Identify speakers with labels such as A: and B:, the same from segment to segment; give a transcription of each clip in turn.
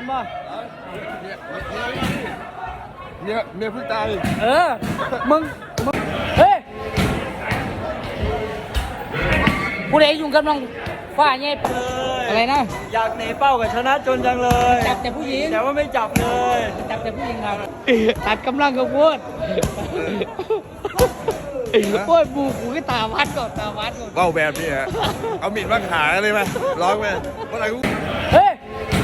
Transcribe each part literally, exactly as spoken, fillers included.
A: บ่
B: เมียเมียเพิ่งตาย
A: เออมึงมึงเฮ้ยผู้ใดยุ่งกับน้องฟ้าเนี่ยอะไรนะ
C: อยากหนีเป้ากับชนะจนจังเลย
A: จับแต่ผู้หญิง
C: แต่ว่าไม่จับเลย
A: จับแต่ผู้หญิงครับตัดกำลังกับพูดโอ้ยบูกูก็ตาวัดก่อนตาวัดก่อน
B: เบ้าแบบนี้ฮะเอามีดมาขายเลยไหมร้องไหมเมื่อไหร่กู
A: เฮ้ย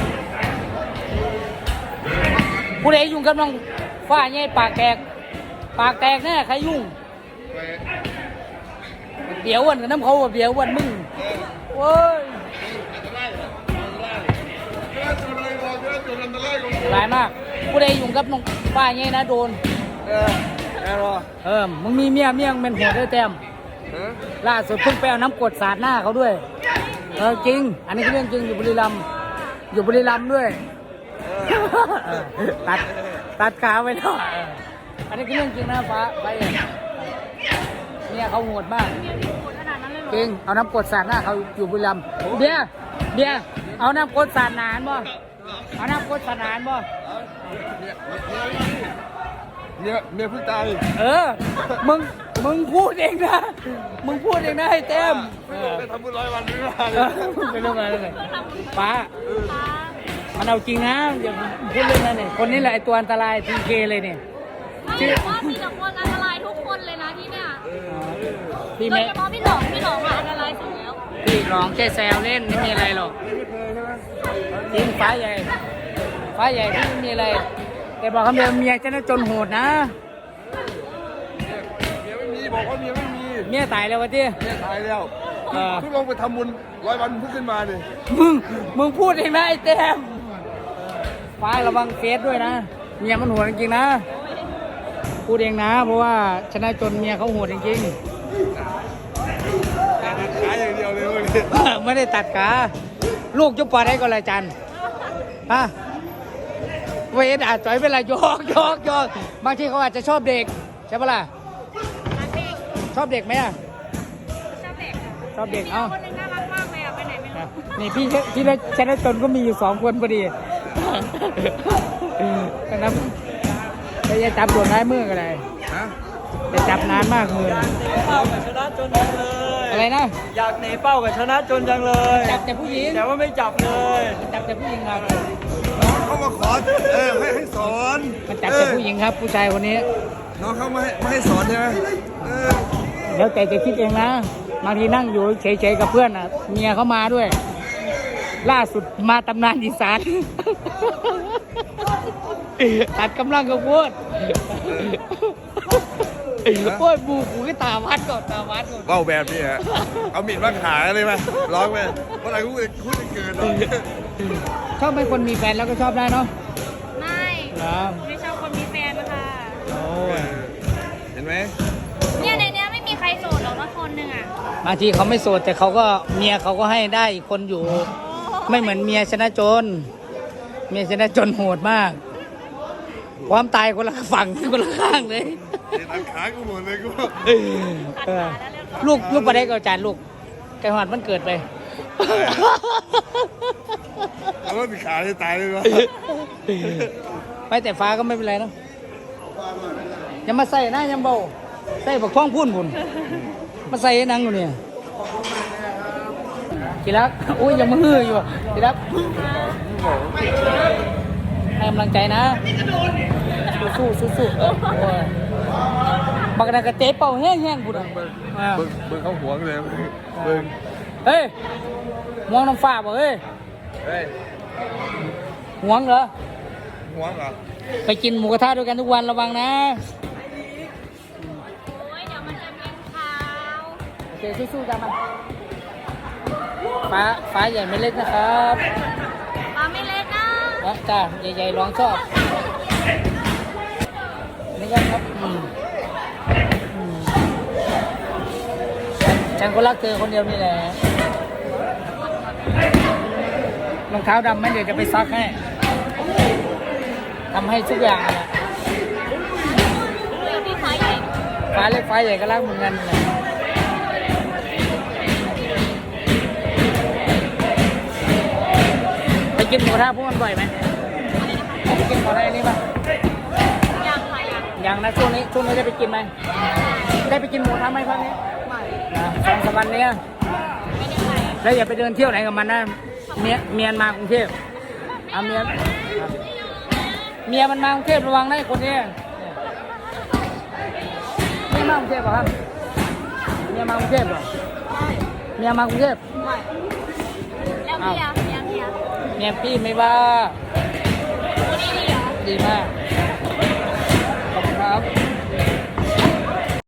A: ผู้ใดยุ่งกับน้องฟ้าเนี่ยปากแตกปากแตกแน่ใครยุ่งเดี๋ยววันกับน้ำเขาเดี๋ยววันมึงโว้ยหลายมากผู้ใดยุ่งกับน้องฟ้าเนี่ยนะโดน
B: เออแอร์รอ
A: เออมึงมีเมียเมียงเป็นหัวได้เต็มล่าสุดเพิ่งไปเอาน้ำกรดสาดหน้าเขาด้วยเออจริงอันนี้คือเรื่องจริงอยู่บุรีรัมย์อยู่บุรีรัมย์ด้วยตัดตัดขาไปแล้วอันนี้คือเรื่องจริงนะฟ้าไปเนี่ยเขาโหดมากจริงเอาน้ำกรดสาดหน้าเขาอยู่บุรีรัมย์เดี๋ยวเดี๋ยวเอาน้ำกรดสาดนานบ่เอาน้ำกรดสาดนานบ่
B: เมียเมียเพิ่งตาย
A: เออมึงมึงพูดเองนะมึงพูดเองนะให้เต็ม
B: ไปทำบุญร้อยวันไม่ได้
A: ไม่ต้องมาเลยป้ามันเอาจริงนะอย่าพูดเรื่องนั้นเนี่ยคนนี้แหละไอตัวอันตรายทีเคเลยเนี่ย
D: ไม่แต่ว่ามีแต่คนอันตรายทุกคนเลยนะที่เนี่ย
A: พี่
D: โดยเฉพาะพี่หลงพี่หลงอะอันตรายสุดแล้ว
A: พี่หลงแค่แซวเล่นไม่มีอะไรหรอกจริงฟ้าใหญ่ฟ้าใหญ่ที่ไม่มีอะไรแต่บอกคำเดียวเมียจะน่าจนโหดนะ
B: เมียไม่มีบอกว่าเมียไม่มี
A: เมียตายแล้ววะที่
B: เมียตายแล้วเพิ่งลงไปทำบุญร้อยวันเพิ่งขึ้นมาเลย
A: มึงมึงพูดเองนะไอ้เต็มฟ้าระวังเฟซด้วยนะเมียมันโหดจริงๆนะพูดเองนะเพราะว่าชนะจนเมียเขาโหดจริง
B: ๆตัดขาอย่างเดียวเลย
A: ไม่ได้ตัดขาลูกจุ๊บปอได้ก็เลยจันฮะเวทอาจจะเป็นไรยอกยอกยอกบางทีเขาอาจจะชอบเด็กใช่ปะล่ะชอบเด็กไหมอ่ะ
D: ชอบเด็ก
A: ชอบเด็กเอ้า
D: คนนึงน่ารักมากเลยอ่ะไปไหนไม่รู้
A: นี่พี่พี่ได้ชนะจนก็มีอยู่สองคนพอดีนะครับจะจะจับตัวน้ายมือกันเลยจะจับนานมากมือ
C: เป้ากับชนะจนจังเลย
A: อะไรนะ
C: อยากหนีเป้ากับชนะจนจังเลย
A: จับแต่ผู้หญิง
C: แต่ว่าไม่จับเลย
A: จับแต่ผู้หญิงครับ
B: น้องเขามาขอเออให้ให้สอน
A: มันจับแต่ผู้หญิงครับผู้ชายคนนี้
B: น้องเขาไม่ให้ไม่ให้สอนใช่ไหม
A: เดี๋ยวใจจะคิดเองนะบางทีนั่งอยู่เฉยๆกับเพื่อนอ่ะเมียเขามาด้วยล่าสุดมาตำนานอีสานตัดกำลังกับพูดโอ้ยบูกูก็ตาวัดก่อนตาวัดก่อน
B: เบ้าแบบนี้ฮะเอามีดมาขายเลยไหมร้องไหมเมื่อไหร่กูพูดจะเกิน
A: ชอบเป็นคนมีแฟนแล้วก็ชอบได้เนาะ
D: ไม่ไม่ชอบคนมีแฟนนะคะ
A: โอ้
B: เห็นไหม
D: เนี่ยในนี้ไม่มีใครโสดหรอกนะคนหนึ่งอ่ะ
A: บางทีเขาไม่โสดแต่เขาก็เมียเขาก็ให้ได้อีกคนอยู่ไม่เหมือนเมียชนะจนเมียชนะจนโหดมากความตายคนละฝั่งคนละข้างเลย
B: ตัดขากูหมดเลยกู
A: ลูกลูกประเด็กเอาจานลูกไก่หอดมันเกิดไป
B: เอาว่าติดขาจะตายเลยวะ
A: ไม่แต่ฟ้าก็ไม่เป็นไรเนาะอย่ามาใส่นะยังเบาใส่บักท้องพุ่นพุ่นมาใส่นังอยู่เนี่ยกีรักอุ้ยยังมืออยู่กีรักให้กำลังใจนะสู้สู้สู้บักนักกระเตะเป่าแห้งแห้งบุญ
B: เบิ้งเบิ้งเขาหวงเลยเบิ้ง
A: เฮ้ยหวงน้ำฟ้าบ่เฮ้ยหวงเหรอ
B: หวงเหรอ
A: ไปกินหมูกระทะด้วยกันทุกวันระวังนะ
D: โอ้ยเดี๋ยวมันจะเป็นขาว
A: โอเคสู้ๆจ้ามันฟ้าฟ้าใหญ่ไม่เล็กนะครับ
D: ฟ้าไม่เล็กนะ
A: นะจ้าใหญ่ๆร้องชอบนี่ก็ครับอืมฉันก็รักเธอคนเดียวนี่แหละรองเท้าดำไหมเดี๋ยวจะไปซักให้ทำให้ทุกอย่างเนี่ยฟ้าเล็กฟ้าใหญ่ก็รักเหมือนกันเลยไปกินหมูกระทะพวกมันบ่อยไหมไปกินหมูกระทะอันนี้ป่ะ
D: ยังค่ะยัง
A: ยังนะช่วงนี้ช่วงนี้ได้ไปกินไหมได้ไปกินหมูกระทะไหมพักนี้
D: ไม่
A: นะสองสามวันเนี้ย
D: ไม่ได้ไป
A: แล้วอย่าไปเดินเที่ยวไหนกับมันนะเมียเมียมากรุงเทพเอาเมียเมียมันมากรุงเทพระวังนะไอ้คนนี้เมียมากรุงเทพเหรอครับเมียมากรุงเทพเหรอเมียมากรุงเทพ
D: ไม่แล้วเมียเมียเมีย
A: เมียพี่ไม่ว่า
D: คนนี้ดีเหรอ
A: ดีมาก